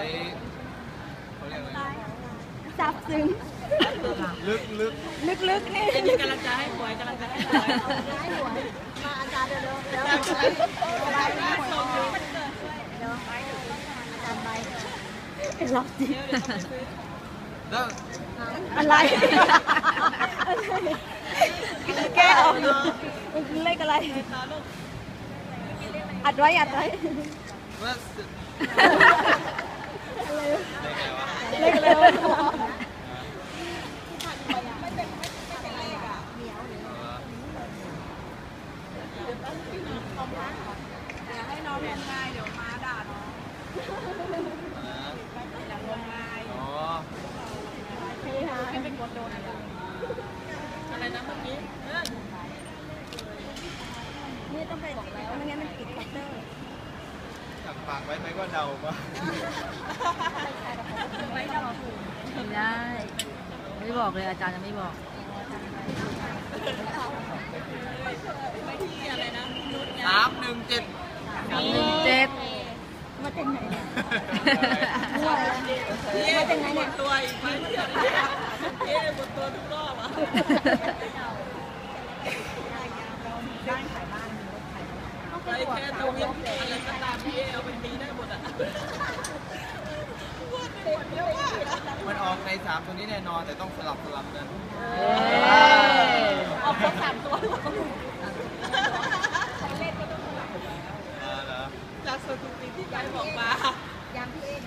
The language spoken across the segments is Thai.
เขาเรียกอะไรซับซึ้งลึกนี่เป็นกำลังใจให้หวยกำลังใจให้หวยมาอาจารย์เดี๋ยวอาจารย์ไปเป็นล็อกจริงอะไรแก้ออกมันเลขอะไรอัดไว้เลขอะไรอย่าให้น้องงมงายเดี๋ยวมาด่าน้องอย่างงมงายให้เป็นคนโดนอะไรนะเมื่อกี้นี่ต้องไปบอกแล้วไม่งั้นมันปิดคัตเตอร์สั่งปากไว้ไหมก็เดาปะไม่ได้ไม่บอกเลยอาจารย์จะไม่บอกอะไรนะ 317 มาจากไหนเนี่ยมาจากไหนเนี่ยตัวอีกไหมหมดตัวทุกรอบอ่ะไปแค่ตัวนี้อะไรก็ตามพี่เอาไปตีได้หมดอ่ะมันออกใน3ตัวนี้แน่นอนแต่ต้องสลับกันเอาครบ3ตัวจากสถิติที่ไกด์บอกมายามพี่เอง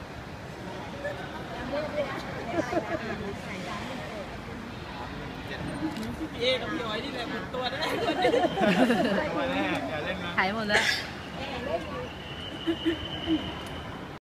พี่เอกับพี่อ้อยนี่แหละหมดตัวได้มาแน่อย่าเล่นนะหายหมดแล้ว